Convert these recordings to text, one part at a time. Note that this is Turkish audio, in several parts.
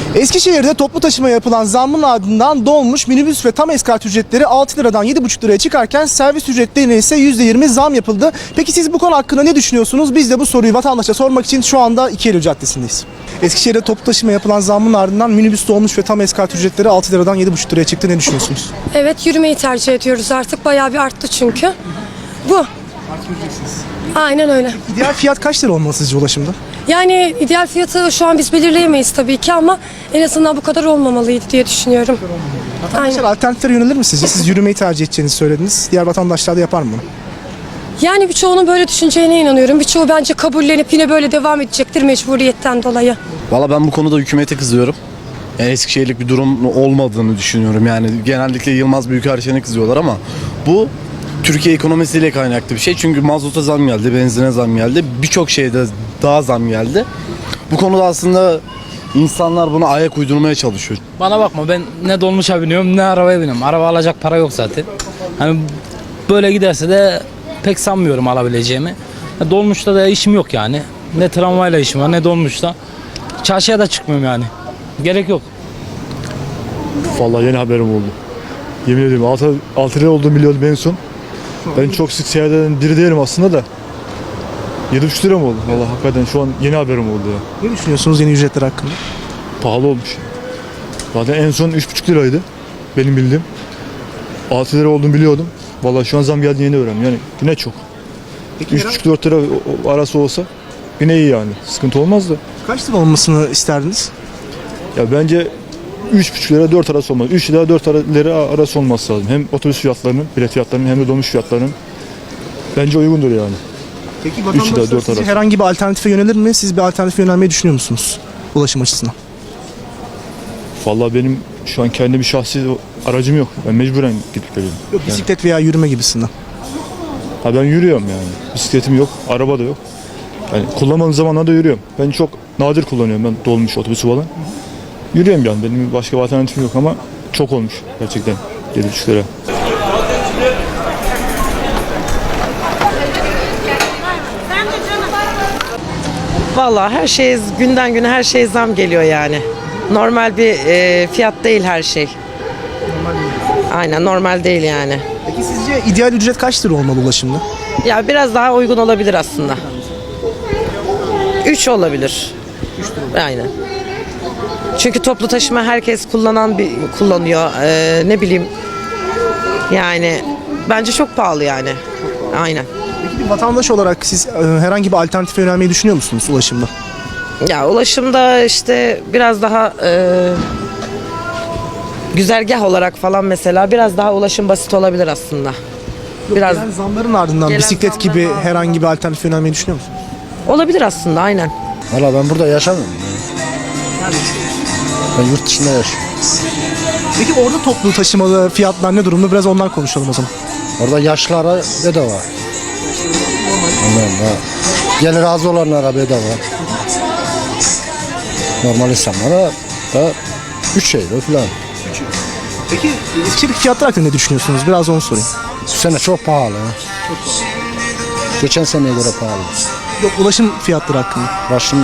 Eskişehir'de toplu taşıma yapılan zammın ardından dolmuş, minibüs ve tam eskort ücretleri 6 liradan 7,5 liraya çıkarken servis ücretlerine ise %20 zam yapıldı. Peki siz bu konu hakkında ne düşünüyorsunuz? Biz de bu soruyu vatandaşa sormak için şu anda İkieli Caddesi'ndeyiz. Eskişehir'de toplu taşıma yapılan zammın ardından minibüs dolmuş ve tam eskort ücretleri 6 liradan 7,5 liraya çıktı. Ne düşünüyorsunuz? Evet, yürümeyi tercih ediyoruz artık. Bayağı bir arttı çünkü. Bu. Aynen öyle. İdeal fiyat kaç lira olmalı sizce ulaşımda? Yani ideal fiyatı şu an biz belirleyemeyiz tabii ki ama en azından bu kadar olmamalıydı diye düşünüyorum. Vatandaşlar alternatiflere yönelir mi sizce? Siz yürümeyi tercih edeceğinizi söylediniz. Diğer vatandaşlar da yapar mı bunu? Yani birçoğunun böyle düşüneceğine inanıyorum. Birçoğu bence kabullenip yine böyle devam edecektir mecburiyetten dolayı. Valla ben bu konuda hükümete kızıyorum. Yani Eskişehirlik bir durum olmadığını düşünüyorum. Yani genellikle Yılmaz Büyükerşen'e kızıyorlar ama bu Türkiye ekonomisiyle kaynaklı bir şey. Çünkü mazota zam geldi, benzine zam geldi. Birçok şeyde daha zam geldi. Bu konuda aslında insanlar buna ayak uydurmaya çalışıyor. Bana bakma, ben ne dolmuşa biniyorum ne arabaya biniyorum. Araba alacak para yok zaten. Hani böyle giderse de pek sanmıyorum alabileceğimi. Dolmuşta da işim yok yani. Ne tramvayla işim var ne dolmuşta. Çarşıya da çıkmıyorum yani. Gerek yok. Vallahi yeni haberim oldu. Yemin ediyorum 6 lira olduğunu biliyordum en son. Ben çok sık seyahat eden biri değilim aslında da. 7,5 lira mı oldu? Vallahi hakikaten şu an yeni haberim oldu ya. Ne düşünüyorsunuz yeni ücretler hakkında? Pahalı olmuş. Zaten en son 3,5 liraydı benim bildiğim. 6 lira olduğunu biliyordum. Vallahi şu an zam geldi yeni öğrendim. Yani yine çok. 3,5-4 lira arası olsa yine iyi yani. Sıkıntı olmaz da. Kaç lira olmasını isterdiniz? Ya bence 3,5 lira 4 arası olmaz. 3 lira 4 lira arası olması lazım. Hem otobüs fiyatlarının, bilet fiyatlarının hem de dolmuş fiyatlarının bence uygundur yani. Peki ila vatandaşlar dört sizce arası. herhangi bir alternatife yönelir mi? Siz bir alternatife yönelmeyi düşünüyor musunuz ulaşım açısından? Vallahi benim şu an kendi bir şahsi aracım yok. Ben mecburen gidip geliyorum. Yok, bisiklet veya yürüme gibisinden. Ha ben yürüyorum yani. Bisikletim yok, araba da yok. Yani kullanmadığım zamanlarda yürüyorum. Ben çok nadir kullanıyorum ben dolmuş otobüsü falan. Yürüyorum yani. Benim başka bir alternatifim yok ama çok olmuş gerçekten 7,5 lira. Vallahi her şey günden güne her şey zam geliyor yani. Normal bir fiyat değil her şey. Aynen normal değil yani. Peki sizce ideal ücret kaç lira olmalı ulaşımda? Ya biraz daha uygun olabilir aslında. 3 olabilir. Aynen. Çünkü toplu taşıma herkes kullanıyor. Ne bileyim. Yani bence çok pahalı yani. Aynen. Peki bir vatandaş olarak siz herhangi bir alternatife yönelmeyi düşünüyor musunuz ulaşımda? Ya ulaşımda işte biraz daha güzergah olarak falan mesela biraz daha ulaşım basit olabilir aslında. Biraz Gelen zamların ardından Gelen bisiklet zamların gibi ardından. herhangi bir alternatife yönelmeyi düşünüyor musunuz? olabilir aslında aynen. Valla ben burada yaşamıyorum. Ben yurt dışında yaşıyorum. Peki orada toplu taşımalı fiyatlar ne durumda? Biraz ondan konuşalım o zaman. Orada yaşlılara bedava. Anladın mı? Gelir az olanlara bedava. Normal insanlara da 3 euro falan. Peki Eskişehir fiyatlar hakkında ne düşünüyorsunuz? Biraz onu sorayım. Bu sene çok pahalı. Geçen seneye göre pahalı. Yok, ulaşım fiyatları hakkında. Başım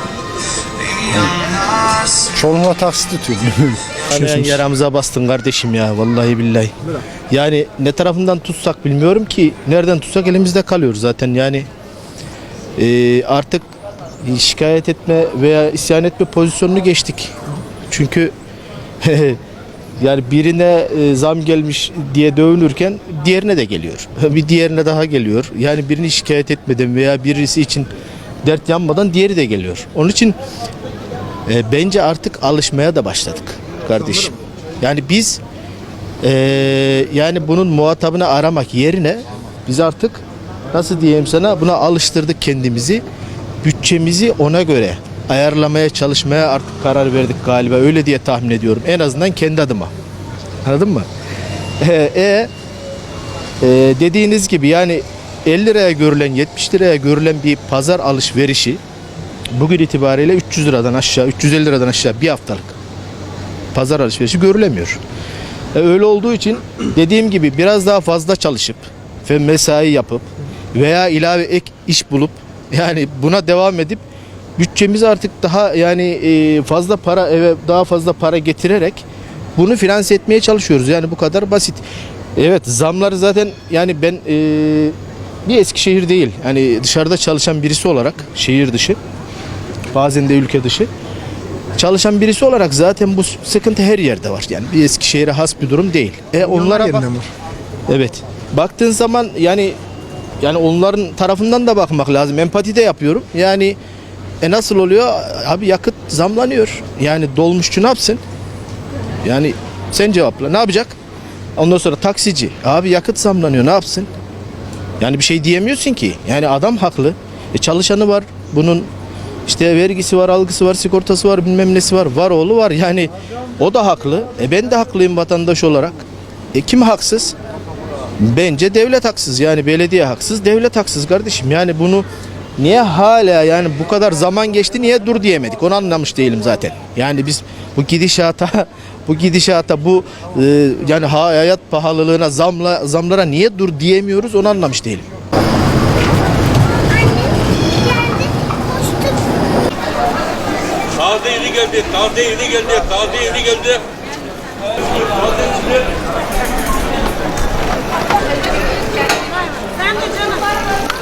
çoğunluğa taksit tutuyorum. Düşünüyorsunuz? Yaramıza bastın kardeşim ya vallahi billahi. Yani ne tarafından tutsak bilmiyorum ki, nereden tutsak elimizde kalıyor zaten yani. Artık şikayet etme veya isyan etme pozisyonunu geçtik. Çünkü yani birine zam gelmiş diye dövünürken diğerine de geliyor. Bir diğerine daha geliyor. Yani birini şikayet etmeden veya birisi için dert yanmadan diğeri de geliyor. Onun için bence artık alışmaya da başladık kardeşim. Yani biz yani bunun muhatabını aramak yerine biz artık nasıl diyeyim sana, buna alıştırdık kendimizi. Bütçemizi ona göre ayarlamaya çalışmaya artık karar verdik galiba, öyle diye tahmin ediyorum. En azından kendi adıma. Anladın mı? Dediğiniz gibi yani 50 liraya görülen 70 liraya görülen bir pazar alışverişi bugün itibariyle 300 liradan aşağı 350 liradan aşağı bir haftalık pazar alışverişi görülemiyor. Öyle olduğu için dediğim gibi biraz daha fazla çalışıp ve mesai yapıp veya ilave ek iş bulup yani buna devam edip bütçemiz artık daha yani fazla para, eve daha fazla para getirerek bunu finanse etmeye çalışıyoruz. Yani bu kadar basit. Evet, zamları zaten yani ben bir Eskişehir değil, hani dışarıda çalışan birisi olarak, şehir dışı, bazen de ülke dışı çalışan birisi olarak zaten bu sıkıntı her yerde var. Yani bir Eskişehir'e has bir durum değil. Onlara bak. yerinde mi? Evet. Baktığın zaman yani onların tarafından da bakmak lazım. Empati de yapıyorum. Yani nasıl oluyor? Abi yakıt zamlanıyor. Yani dolmuşçu ne yapsın? Yani sen cevapla. Ne yapacak? Ondan sonra taksici. Abi yakıt zamlanıyor. Ne yapsın? Yani bir şey diyemiyorsun ki. Yani adam haklı. Çalışanı var. Bunun işte vergisi var, algısı var, sigortası var, bilmem nesi var. Var oğlu var. Yani o da haklı. Ben de haklıyım vatandaş olarak. Kim haksız? Bence devlet haksız. Yani belediye haksız, devlet haksız kardeşim. Yani bunu niye hala yani bu kadar zaman geçti niye dur diyemedik? Onu anlamış değilim zaten. Yani biz bu gidişata yani hayat pahalılığına zamlara niye dur diyemiyoruz onu anlamış değilim. Taze yeni geldi, taze yeni geldi, taze yeni geldi.